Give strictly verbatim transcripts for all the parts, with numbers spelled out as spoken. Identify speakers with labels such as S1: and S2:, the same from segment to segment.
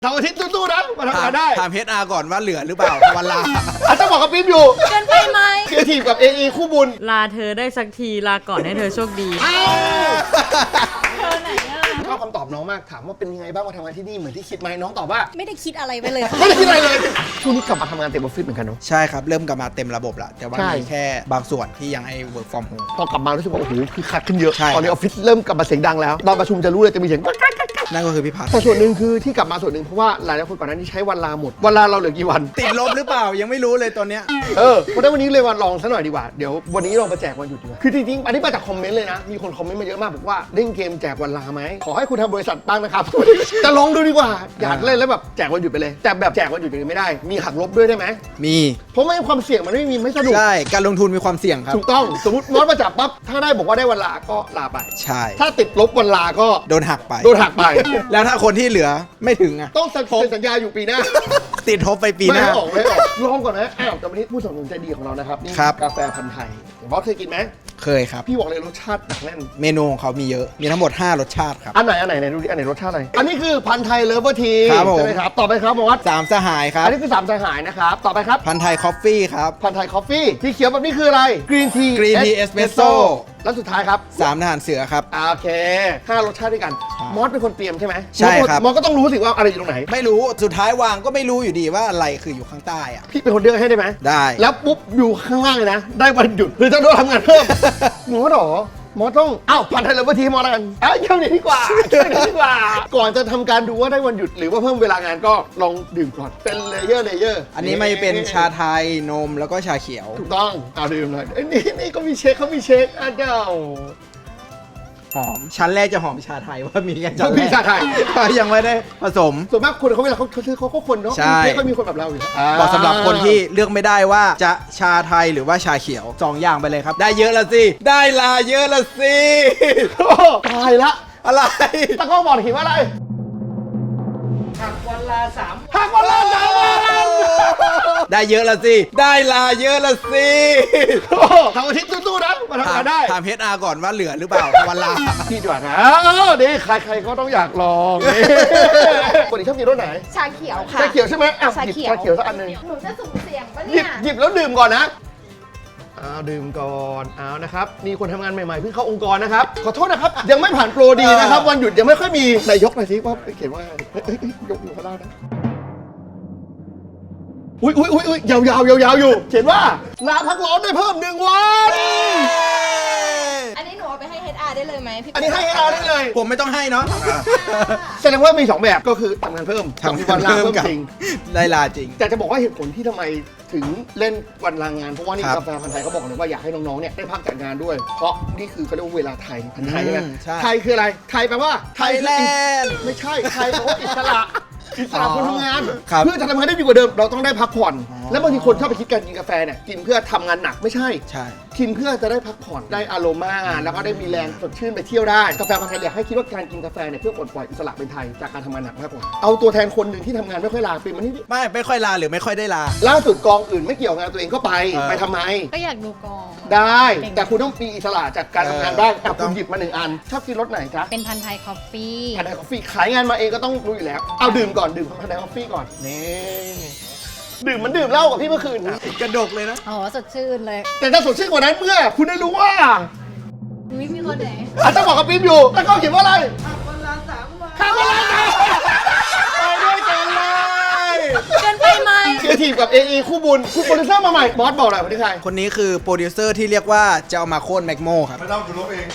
S1: เสาร์อาทิตย์สู้ๆนะมาทำงานได้
S2: ถามเฮดอาร์ก่อนว่าเหลือหรือเปล่าวันลา
S1: อาจจะบอกกับปิ๊มอยู่
S3: เกินไปไหม
S1: ครีเอทีฟกับ เอ อี คู่บุญ
S3: ลาเธอได้สักทีลาก่อนให้เธอโชคดีเธอไหนอ่ะ
S1: ชอบคำตอบน้องมากถามว่าเป็นยังไงบ้างมาทำงานที่นี่เหมือนที่คิดไหมน้องตอบว่า
S3: ไม่ได้คิดอะไรไปเลย
S1: ไม่ได้คิดอะไรเลยช่วงนี้กลับมาทำงานเต็มออฟฟิศเหมือนกันเนาะ
S2: ใช่ครับเริ่มกลับมาเต็มระบบละแต่ว่ามีแค่บางส่วนที่ยังให้ work from home
S1: พอกลับมารู้สึกว่าโอ้โหคือคัดขึ้นเยอะตอนนี้ออฟฟิศเริ่มกลับมาเสียงดังแล้วตอนประชุมจะรู้เลยจะมีเสียง
S2: นั่นก็คือพี่พัฒน์
S1: แต่ส่วนหนึ่งคือที่กลับมาส่วนหนึ่งเพราะว่าหลายๆคนก่อนหน้านี้ใช้วันลาหมดวันลาเราเหลือกี่วัน
S2: ติดลบหรือเปล่ายังไม่รู้เลยตอนเนี้ย
S1: เออเพราะฉะนั้นวันนี้เลยวันลองซะหน่อยดีกว่าเดี๋ยววันนี้ลองมาแจกวันหยุดดีกว่าคือจริงๆอันนี้มาจากคอมเมนต์เลยนะมีคนคอมเมนต์มาเยอะมากบอกว่าเล่นเกมแจกวันลาไหมขอให้คุณทำบริษัทบ้างนะครับจะลองดูดีกว่าอยากเล่นแล้วแบบแจกวันหยุดไปเลยแต่แบบแจกวันหยุดอย่างนี้ไม่ได้มีหักลบด้วยได้ไหม
S2: มี
S1: เพราะไม่ความเสี่ยงมันไม่มีไม่สนุก
S2: ใช่การลงทุนมีความเสี่ยงครับ
S1: ถูกต้องสมมติมอสมาจับปั๊บถ้าได้บอกว่าได้วันลาก็ลาไป
S2: ใช่
S1: ถ้าติดลบวันลาก็
S2: โดนหักไป
S1: โดนหักไป
S2: แล้วถ้าคนที่เหลือไม่ถึงอ่ะ
S1: ต้องเซ็นสัญญาอยู่ปีหน้า
S2: ติดทบไปปีหน้า
S1: ไม่ออกไม่ออกลองก่อนนะอ้าวแต่วันนี้ผู้สนับสนุนใจดีของเรานะครับนี่กาแฟพันธุ์ไทยบอสเคยกินไหม
S2: เคยครับ
S1: พี่บอกเลยรสชาติหนักแน่น
S2: เมนูของเขามีเยอะมีทั้งหมดห้ารสชาติครับ
S1: อันไหนอันไหนไหนดูดิอันไหนรสชาติอะไรอันนี้คือพันธุ์ไทยเลิฟเวอร์ที
S2: ใช่
S1: ไหมครับต่อไปครับบอส
S2: สามสหายครับ
S1: อันนี้คือสามสหายนะครับต่อไปครับ
S2: พันธุ์ไทยคอฟฟี่ครับ
S1: พันธุ์ไทยคอฟฟี่ที่เขียวแบบนี้คืออะไรกรีนที
S2: กรีนทีเอสเปรสโซ่
S1: แล้วสุดท้ายครับ
S2: สามทหารเสือครับ
S1: โอเคห้ารสชาติด้วยกันมอสเป็นคนเตรียมใช่ไหม
S2: ใช่ครับ
S1: มอสก็ต้องรู้สิว่าอะไรอยู่ตรงไหน
S2: ไม่รู้สุดท้ายวางก็ไม่รู้อยู่ดีว่าอะไรคืออยู่ข้างใต้อะ
S1: พี่เป็นคนเลือกให้ได้ไหม
S2: ได้
S1: แล้วปุ๊บอยู่ข้างล่างเลยนะได้วันหยุดหรือจะโดนทำงานเพิ่มหมอหรอหมอต้องอ้าวพันธุ์ไทยเลิฟเวอร์ทีมอสกันอ้าวเยี่ยมเลยดีกว่าเยี่ยมเลยดีกว่าก่อนจะทำการดูว่าได้วันหยุดหรือว่าเพิ่มเวลางานก็ลองดื่มก่อนเป็นเลเยอร์เลเยอร์
S2: อันนี้ไม่เป็นชาไทยนมแล้วก็ชาเขียว
S1: ถูกต้องเอาดื่มเลยนี่นี่ก็มีเช็คเขามีเช็คอ่ะเจ้า
S2: หอมชั้นแรกจะหอมชาไทยว่ามีกันชั้นแรก
S1: มีชาไทย
S2: ยังไม่ได้ผสม
S1: ส่วนมากคนเขาเวลาเขาซื้อเขาก็คนเนาะไม่ค่อยมีคนแบบเราอยู่
S2: บอกสำหรับคนที่เลือกไม่ได้ว่าจะชาไทยหรือว่าชาเขียวสองอย่างไปเลยครับได้เยอะละสิได้ลาเยอะละสิ
S1: ตายละ
S2: อะไร
S1: ตะก้อบอกขีดว่าอะไร
S3: หักวันลาสาม
S1: หักวันลาสามวัน
S2: ได้เยอะละสิได้ลาเยอะละสิ
S1: เสาร์อาทิตย์สู้ๆนะมาทำงานได้
S2: ถามเฮดอาร์ก่อนว่าเหลือหรือเปล่าวันลา
S1: พี่จวดนะดีใครๆก็ต้องอยากลองคนนี้ชอบกินรสไหน
S3: ชาเขียวค่ะ
S1: ชาเขียวใช่ไหมอ้าวหยิบชาเขียวสักอันหนึ่ง
S3: หนูจะสุ่มเสี่ยงปะ
S1: หยิ
S3: เนี่
S1: บ
S3: ย
S1: หยิบแล้วดื่มก่อนนะอ้าวดื่มก่อนอ้าวนะครับมีคนทำงานใหม่ๆเพิ่งเข้าองค์กรนะครับขอโทษนะครับยังไม่ผ่านโปรดีนะครับวันหยุดยังไม่ค่อยมีนายกหน่อยสิว่าเขียนว่ายกอยู่ข้างล่างนะอุ้ยอุ้ยอุ้ยอุ้ยยาวยาวยาวยาวอยู่เขียนว่าลาพักร้อนได้เพิ่มหนึ่งวัน
S3: อันนี้หนูเอาไปให้ เอช อาร์ ได้เลยไหมพี่
S1: อันนี้ให้ เอช อาร์ ได้เลย
S2: ผมไม่ต้องให้เนาะ
S1: แสดงว่ามีสองแบบก็คือทำงานเพิ่ม
S2: ทำวันลาเพิ่มจริงได้ลาจริง
S1: แต่จะบอกว่าเหตุผลที่ทำไมถึงเล่นวันลางานเพราะว่านี่กาแฟพันธุ์ไทยเขาบอกเลยว่าอยากให้น้องๆเนี่ยได้พักจากงานด้วยเพราะนี่คือเขาเรียกว่าเวลาไทยพันธุ์ไทยใช่ไหมไทยคืออะไรไทยแปลว่า
S2: ไทยแลนด์
S1: ไม่ใช่ไทยแปลว่าอิสระอิสระคนทำงานเพื่อจะทำงานได้ดีกว่าเดิมเราต้องได้พักผ่อนแล้วบางทีคนชอบไปคิดการกินกาแฟเนี่ยกินเพื่อทำงานหนักไม่ใช่
S2: ใช่
S1: กินเพื่อจะได้พักผ่อนได้อารมาแล้วก็ได้มีแรงสดชื่นไปเที่ยวได้กาแฟพันธุ์ไทยอยากให้คิดว่าการกินกาแฟเนี่ยเพื่อปลดปล่อยอิสระเป็นไทยจากการทำงานหนักมากกว่าเอาตัวแทนคนหนึ่งที่ทำงานไม่ค่อยลาเป็นมันนี่
S2: ไม่ไม่ค่อยลาหรือไม่ค่อยได้ลา
S1: ล่าสุดกองอื่นไม่เกี่ยวงานตัวเองก็ไปไปทำไม
S3: ก็อยากดูกอง
S1: ได้แต่คุณต้องมีอิสระจากการทำงานได้แต่คุณหยิบมาหนึ่งอันชอบกินรสไหนจ๊ะ
S3: เป็นพันธุ์ไทยคอฟฟี่
S1: พันธุ์ไทยคอฟฟี่ขายงานมาเองก็ต้องรู้อยู่แล้วเอาดื่มก่อนดื่มพันธุ์ไทยคอฟฟี่ก่อนนี่ดื่มมันดื่มเหล้ากับพี่เมื่อคืน
S2: กระดกเลยนะ
S3: อ๋อสดชื่นเลย
S1: แต่ถ้าสดชื่นกว่านั้นเมื่อคุณได้รู้ว่า
S3: มีมีคนไหน
S1: อาจจะบอกกับปิ๊มอยู่แล้วก็เขียนว่าอะไร
S3: หักวันลาสามวัน
S1: หักวันลาสามไปด้วยกันเลย
S3: เกินไปไหม
S1: ครีเอทีฟกับ เอ อี คู่บุญคุณโปรดิวเซอร์มาใหม่บอสบอกหน่อยคนนี้ใคร
S2: คนนี้คือโปรดิวเซอร์ที่เรียกว่าจะเอามาโค่นแมกโมครับ
S1: ไม่ต้องคุณลบเอง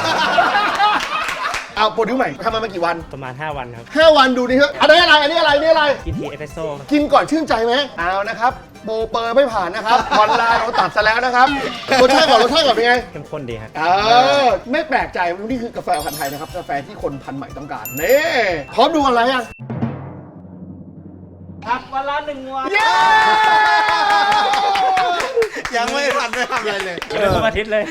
S1: เอาโปรดิวใหม่ทำมามากี่วัน
S4: ประมาณห้าวันครับ
S1: ห้าวันดูดิเถอะอันนี้อะไรอันนี้อะไรนี่อะไร
S4: กินทีเอสเปรสโซ่
S1: กินก่อนชื่นใจไหมเอานะครับโบเปอร์ไม่ผ่านนะครับวันลาเราตัดซะแล้วนะครับรสชาติก่อนรสชาติก่อนเป็นไง
S4: เข้มข้นดีครับ
S1: เออไม่แปลกใจนี่คือกาแฟพันธุ์ไทยนะครับกาแฟที่คนพันธุ์ใหม่ต้องการนี่พร้อมดูอะไรยัง
S3: พักวันละหนึ่งวัน
S2: ยังไม่ทันไม่ทำอะไรเลย
S4: เริ่มอาทิตย์เลย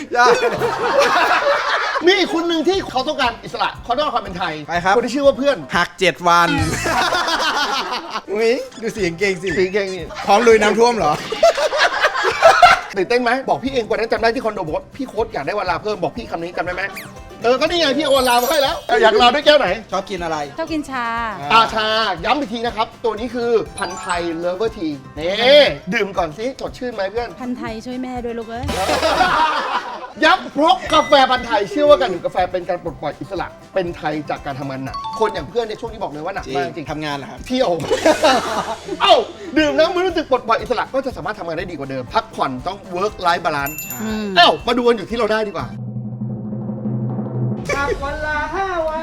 S1: มีอีกคนหนึ่งที่เขาต้องการอิสระเขาต้องการความเป็นไทย
S2: ไปครับ
S1: คนที่ชื่อว่าเพื่อน
S2: หักเจ็ดวันอุ้ยดูเสียงเก่งสิ
S1: เสียงเก่งนี่
S2: พร้อมลุยน้ำท่วมเหรอ
S1: ตื่นเต้นไหมบอกพี่เองกว่านั้นจำได้ที่คอนโดบอกว่าพี่โค้ชอยากได้เวลาเพิ่มบอกพี่คำนี้จำได้ไหมเออก็นี่ไงพี่เอาวันลามาให้แล้วอยากลาด้วยแก้วไหน
S2: ชอบกินอะไร
S4: ชอบกินชา
S1: อาชาย้ำอีกทีนะครับ ตัวนี้คือพันธุ์ไทยเลเวอร์ทีนี่ดื่มก่อนสิสดชื่นไหมเพื่อน
S4: พันธุ์ไทยช่วยแม่ด้วยลูกเอ้ย
S1: ยับเพราะกาแฟพันธุ์ไทยเชื่อว่าการดื่มกาแฟเป็นการปลดปล่อยอิสระเป็นไทยจากการทำงานหนักคนอย่างเพื่อนในช่วงนี้บอกเลยว่าหนัก
S2: จริง
S1: มากจริง
S2: ทำงานเหรอครับ
S1: เที่ยว เอ้าดื่มน้ำมันรู้สึกปลดปล่อยอิสระก็จะสามารถทำงานได้ดีกว่าเดิม พักผ่อนต้อง work life balance
S4: อืม
S1: เอ้ามาดูกันอยู่ที่เราได้ดีกว่า
S2: วันละห้าวัน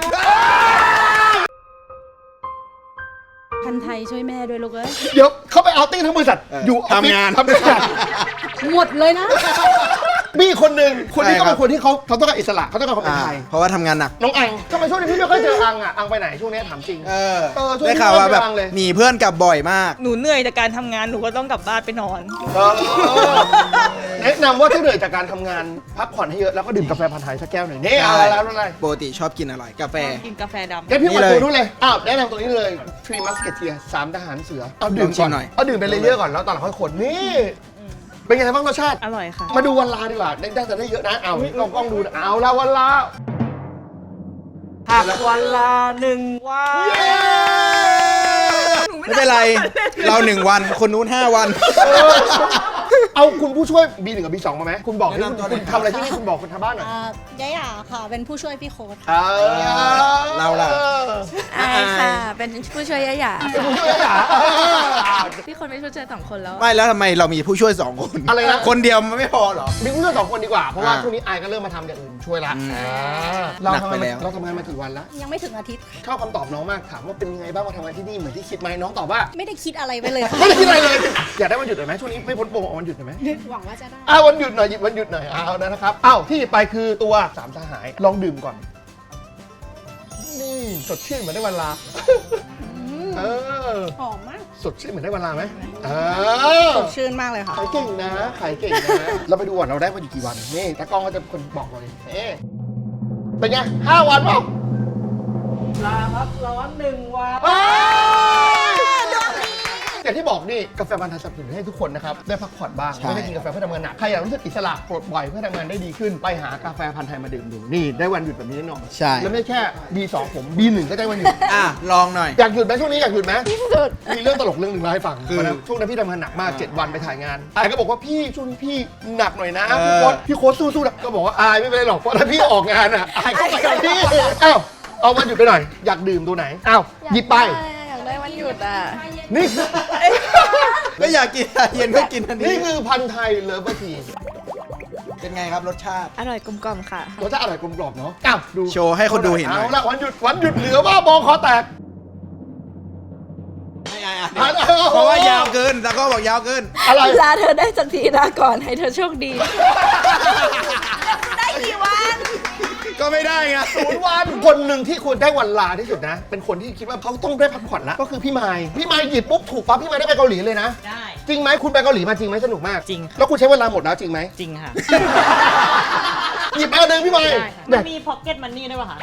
S4: พันธุ์ไทยช่วยแม่ด้วยลูกเอ้ย
S1: เดี๋ยวเขาไปเอาติ้งทั้งบริษัทอยู่ออฟฟิศ
S2: ทำงาน
S1: ทำงาน
S4: หมดเลยนะ
S1: มีคนหนึ่งคนนี้
S2: ใช่
S1: ก็
S2: ครั
S1: เป็
S2: บ
S1: นคนที่เขาเขาต้องการอิสระเขาต้องการความเป็น
S2: อ่า
S1: ไทย
S2: เพราะว่าทำงานหนัก
S1: น้องอังทำไมช่วงนี้พี่ไม่ค่อยเจออังอ่ะอังไปไหนช่วงนี้ถามจริง
S2: เออ
S1: เออช่วงนี้
S2: ได้ข่าวว่าแบบ
S1: ไม่ว่างเลย
S2: หนีเพื่อนกลับบ่อยมาก
S3: หนูเหนื่อยจากการทำงานหนูก็ต้องกลับบ้านไปนอน
S1: เออแนะนำว่าถ้าเหนื่อยจากการทำงานพักผ่อนให้เยอะแล้วก็ดื่มกาแฟพันธุ์ไทยสักแก้วหน่อยนี่เอาอะไรแล้วอะไร
S2: ปกติชอบกินอะไร กาแฟ
S3: กินกาแฟดำ
S1: งั้นพี่
S2: นี่
S1: มา
S2: เลย
S1: ตัวนู้นเลยอ้าวแนะนำตัวนี้เลย Three Musketeer สามทหารเสือเอาดื่ม
S2: ลองชิ
S1: ก่อ
S2: ม
S1: น
S2: หน่อย
S1: เอาดื่มเป็นเลเยอร์ก่อนแล้วตอนหลังค่อยขนนี่เป็นไงบ้างรสชาติ
S3: อร่อยค่ะ
S1: มาดูวันลาดีกว่าได้ได้แต่ได้เยอะนะเอาลองกล้องดูนะเอาละวันลา
S3: ผักวันละหนึ่งวัน
S1: เย้
S2: ไม่เป็นไร เราหนึ่งวัน คนนู้นห้าวัน
S1: เอาคุณผู้ช่วย บี หนึ่ง กับ บี สอง มาไหมคุณบอกที่
S2: แนะนำตัวหน่
S1: คุ
S2: อย
S1: ณทำอะไรที่นี่คุณบอกคนทางบ้านหน่อย
S4: อ่ายายาค่ะ เป็นผู้ช่วยพี่โค้ด
S1: อ่า
S2: เราล่ะ
S5: อายค่ะ เป็นผู้ช่วยยะหยา
S1: เป็นผู้ช่วยอ่ะ
S5: พี่คนเป็นผู้ช่วยสองคนแล้ว
S2: ไม่แล้วทำไมเรามีผู้ช่วยสองคน
S1: อะไรนะ
S2: คนเดียวมันไม่พอเหรอ
S1: มีผู้ช่วยสองคนดีกว่า เพราะว่า
S2: อ่า
S1: ช่วงนี้อายก็เริ่มมาทำอย่างอื่นช่วยละ
S2: อืม
S1: อ่าเรา
S2: หนัก
S1: ทำ
S2: ไป
S1: งาน
S2: แล้ว
S1: มาเราทำงานมากี่วันละ
S4: ยังไม่ถึงอาทิตย์
S1: ชอบคำตอบน้องมากถามว่าเป็นยังไงบ้างมาทำงานที่นี่เหมือนที่คิดไหมน้องตอบว่า
S4: ไม่ได้คิดอะไรไปเลยค่ะ
S1: ไม่ได้คิดอะไรเลย อยากได้วันหยุดหน่อยไหมช่วงนี้ไม่พ้นโปรเอาวันหยุดหน่อยไหม
S4: หวังว่าจะได้
S1: อ้าววันหยุดหน่อยหยิบวันหยุดหน่อยเอานะครับอ้าวที่หยิบไปคือตัวสามสหายลองดื่มก่อนนี่สดชื่นเหมือนได้วันลาเออ
S4: หอมมาก
S1: สดชื่นเหมือนได้วันลาไหมเออ
S4: สดชื่นมากเลยค่ะ
S1: ขายเก่งนะขายเก่งนะ เราไปดูก่อนเราได้วันอยู่กี่วันนี่ตากล้องก็จะเป็นคนบอกเราเลยเอ๊ะเป็นไงห้าวันเปล่า
S3: ลาครับร้อนหนึ่งวัน
S1: เฮ้ยอย่างที่บอกนี่กาแฟพันธุ์ไทยสนับสนุนให้ทุกคนนะครับได้พักผ่อนบ้าง
S2: ใช่
S1: ไม่ได้กินกาแฟเพื่อทำงานหนักใครอยากรู้สึกอิสระปลดปล่อยเพื่อทำงานได้ดีขึ้นไปหากาแฟพันธุ์ไทยมาดื่มดูนี่ได้วันหยุดแบบนี้แน่นอน
S2: ใช่
S1: แล้วไม่แค่ บี สอง ผม บี หนึ่ง ก็ได้วันหยุด
S2: อ่ะ ลองหน่อย
S1: อยากหยุดไหมช่วงนี้อยากหยุดไหมสุดมีเรื่องตลกเรื่องหนึ่งมาให้ฟัง
S2: คือ
S1: วันนั้นช่วงนั้นพี่ทำงานหนักมาก
S2: อ่า
S1: เจ็ดวันไปถ่ายงานอายก็บอกว่าพี่ช่วงนี้พี่หนักหน่อยนะ
S2: เออ
S1: พี่โค้ชพี่โค้ชสู้ๆนะก็บอกว่าอายไม่เป็นไรหรอกเพราะถ้าพี่ออกงานอ่ะอายก็ไปกับพี่อ้าวเอาวันหยุดไปหน่อยอยากดื่มตัวไหนอ้าวหยิบไป
S5: อยากได้วันหยุดอ่ะ
S1: นี่คือ
S2: ก็อยากกินชาเย็นก็กินอัน
S1: นี่
S2: นี้
S1: คือพันธุ์ไทยเลเวอร์ที
S2: เป็นไงครับรสชาติ
S5: อร่อยกลมกล่อมค่ะ
S1: รสชาติอร่อยกลมกล่อมเนาะอ้าวดู
S2: โชว์ให้คนดูเห็นหน่อย
S1: เอาละวันหยุดวันหยุดเหลือว่าบองคอแตก
S2: ไม่อ่ะอ่ะ
S1: อ่ะ
S2: เพราะว่ายาวเกินตะก็บอกยาวเกิน
S1: อะไร
S5: ลาเธอได้สักทีลาก่อนให้เธอโชคดี ได้กี่วัน
S2: ก็ไม่ได้ไง
S1: ศูนย์วันคนหนึ่งที่ควรได้วันลาที่สุดนะ เป็นคนที่คิดว่าเขาต้องได้พักผ่อนละก็คือพี่ไมค์พี่ไมค์หยิบปุ๊บถูกปั๊บพี่ไมค์ได้ไปเกาหลีเลยนะ
S3: ได้
S1: จริงไหมคุณไปเกาหลีมาจริงไหมสนุกมาก
S3: จริงค่ะ
S1: แล้วคุณใช้เวลาหมดแล้วจริงไหม
S3: จริงค่ะ
S1: หยิบมาหนึ่งพี่ไมค์
S3: ได้ค่ะ
S1: แบ
S3: มัน
S1: บ
S3: มีพ็อกเก็ตมันนี่ด้วยป่ะคะ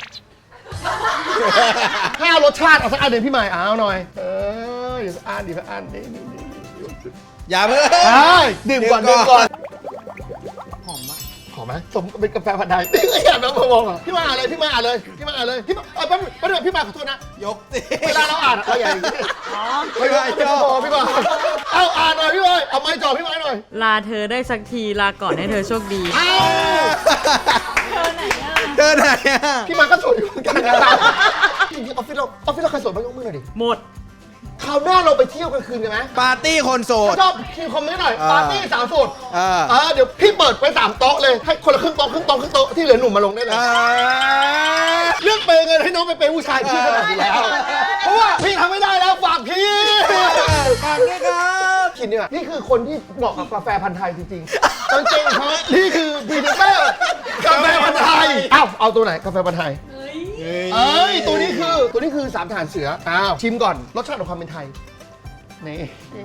S1: ห้ารสชาติเอาสักอันหนึ่งพี่ไมค์เอาหน่อยเอออย่าสักอันดิสักอันนี่นี่นี่
S2: อย่าเพิ่ง
S1: ใช่ดื่มก่อน
S2: ดื่
S1: ดื่ม
S2: มก่
S1: ก่อ
S2: อน น
S1: หอมมากหอมไหมสมกับเป็นกาแฟพันธุ์ไทยนี่ก็อยากมามองอ่ะพี่มาอ่านเลยพี่มาอ่านเลยพี่มาอ่านเลยพี่มาเออแป๊บนึงแป๊บนึงพี่มาขอโทษนะ
S2: ยกสิ
S1: เวลาเราอ่านอะเราอย่าอย่างนี้
S3: อ๋อ
S1: ไม่ไม่พี่บอพี่บอเอาอ่านหน่อยพี่บอยเอาไม้จ่อพี่ไม้หน่อย
S3: ลาเธอได้สักทีลาก่อนให้เธอโชคดี
S1: เอา
S3: เธอไหนอ่ะ
S2: เดินไหนอ่ะ
S1: พี่มาก็สวยอยู่เหมือนกันนะครับจริงๆออฟฟิศเราออฟฟิศเราใครสวยบ้างยกมือหน่อยดิ
S3: หมด
S1: คราวหน้าเราไปเที่ยวกลางคืนกันไหม
S2: ปาร์ตี้คนโสด
S1: ชอบคิวคอมเมนต์หน่อย
S2: อ่า
S1: ปาร์ตี้สาวโสด
S2: อ่า
S1: เออเดี๋ยวพี่เปิดไปสามโต๊ะเลยให้คนละครึ่งโต๊ะครึ่งโต๊ะครึ่งโต๊ะที่เหลือหนุ่มมาลงได้เลย
S2: อ่า
S1: เรื่องเปย์เงินให้น้องไปเปย์ผู้ชายพี่ขนาดนี้แล้ว เพราะว่าพี่ทำไม่ได้แล้วฝากพี่
S2: ฝากด้วยครับ
S1: คิดเนี่ยนี่คือคนที่เหมาะกับกาแฟพันธุ์ไทยจริงๆจริงๆครับนี่คือพรีเซนเตอร์กาแฟพันธุ์ไทยเอ้าเอาตัวไหนกาแฟพันธุ์ไทยเอ้ยตัวนี้คือตัวนี้คือสามฐานเสืออ้าวชิมก่อนรสชาติของความเป็นไทยนี่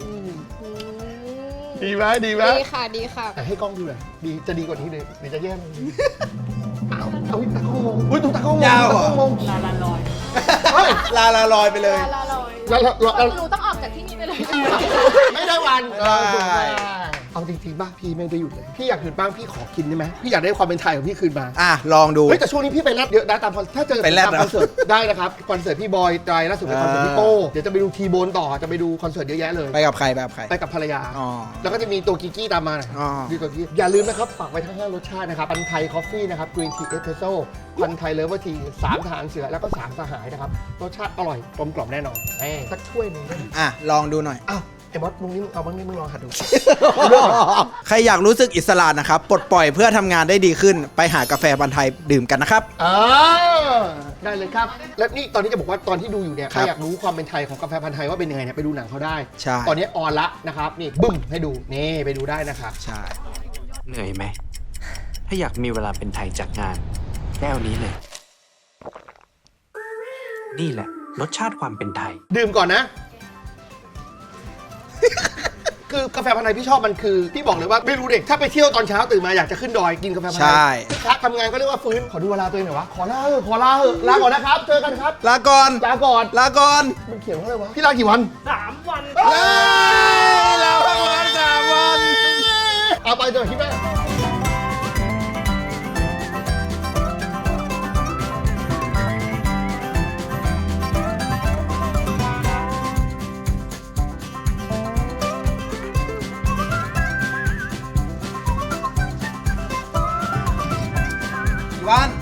S1: ดีไหมดีไหม
S4: ดีค่ะ ดีค่ะ
S1: แต่ให้กล้องดูหน่อยดีจะดีกว่านี้เลยหรือจะแย่ลงดีอ้าวเอาตากล้องงงอุ้ยดูตากล้องงง
S2: ยาวเหรอ
S1: ตากล้องงง
S3: ลาลาลอย
S1: เฮ้ย
S2: ลาลาลอยไปเลย
S1: แล้วเราเรา
S4: หนูต้องออกจากที่นี่ไปเลย
S1: ไม่ได้วัน
S2: ได้
S1: เออเอาจริงๆบ้างพี่ไม่ได้หยุดเลยพี่อยากหยุดบ้างพี่ขอกินได้ไหมพี่อยากได้ความเป็นไทยของพี่คืนมา
S2: อ่ะลองดู
S1: เฮ้ยแต่ช่วงนี้พี่ไปแรดเยอะนะตามคอนถ้าเจอ
S2: ไปแรด
S1: ตาม
S2: เหรอ
S1: คอนเสิร์ตได้นะครับคอนเสิร์ตพี่บอยไตรล่าสุดเป็นคอนเสิร์ตพี่โป้เดี๋ยวจะไปดูทีโบนต่อจะไปดูคอนเสิร์ตเยอะแยะเลย
S2: ไปกับใครไปกับใคร
S1: ไปกับภรรยา
S2: อ๋อ
S1: แล้วก็จะมีตัวกิกกี้ตามมา
S2: อ๋อ
S1: ดีตัวกี้อย่าลืมนะครับ ฝากไว้ทั้งห้ารสชาตินะครับ พันไทยคอฟฟี่นะครับ กรีนทีเอสเพรสโซ่ พันไทยเลเวอร์ทีสามทหารเสือ แล้วก็สามสหายนะครับ รสชาติอร่อยกลมกล่อมแน่นอนเอ้ยสักถ้วยหนึงได้ไหม
S2: อ่ะลองดูหน่อย
S1: อ้าวไอ้บอสมึงนี่มึงเอาบ้างนี่มึงลองหัดดู
S2: ใครอยากรู้สึกอิสระนะครับ ปลดปล่อยเพื่อทำงานได้ดีขึ้น ไปหากาแฟพันธุ์ไทยดื่มกันนะครับ
S1: อ่าได้เลยครับ และนี่ตอนนี้จะบอกว่าตอนที่ดูอยู่เนี่ย
S2: ค
S1: ใค
S2: รั
S1: ร
S2: บ
S1: อยากรู้ความเป็นไทยของกาแฟพันธุ์ไทยว่าเป็นยังไงเนี่ยไปดูหนังเขาได้
S2: ใช่
S1: ตอนนี้ออนละนะครับ นี่บึ้มให้ดู นี่ไปดูได้นะครับ
S2: ใช่
S6: เหนื่อยไหม ถ้าอยากมีเวลาเป็นไทยจากงานแก้วนี้เลย นี่แหละ รสชาติความเป็นไทย
S1: ดื่มก่อนนะ คือกาแฟพันธุ์ไทยพี่ชอบมันคือพี่บอกเลยว่าไม่รู้เด็กถ้าไปเที่ยวตอนเช้าตื่นมาอยากจะขึ้นดอยกินกาแฟพันธุ์ไท
S2: ใช่
S1: ยคักทำงานก็เรียกว่าฟื้นขอดูเวลาตัวเองหน่อยวะขอลาเถอะขอลาเถอะลาก่อนนะครับเจอกันครับ
S2: ลาก่อน
S1: ลาก่อน
S2: ลาก่อน
S1: มันเขียนว่าอะไรวะพี่ลากี่วัน
S2: ลาลาพักวันสามวัน
S1: เอาไปเถอะที่แม่
S2: วัน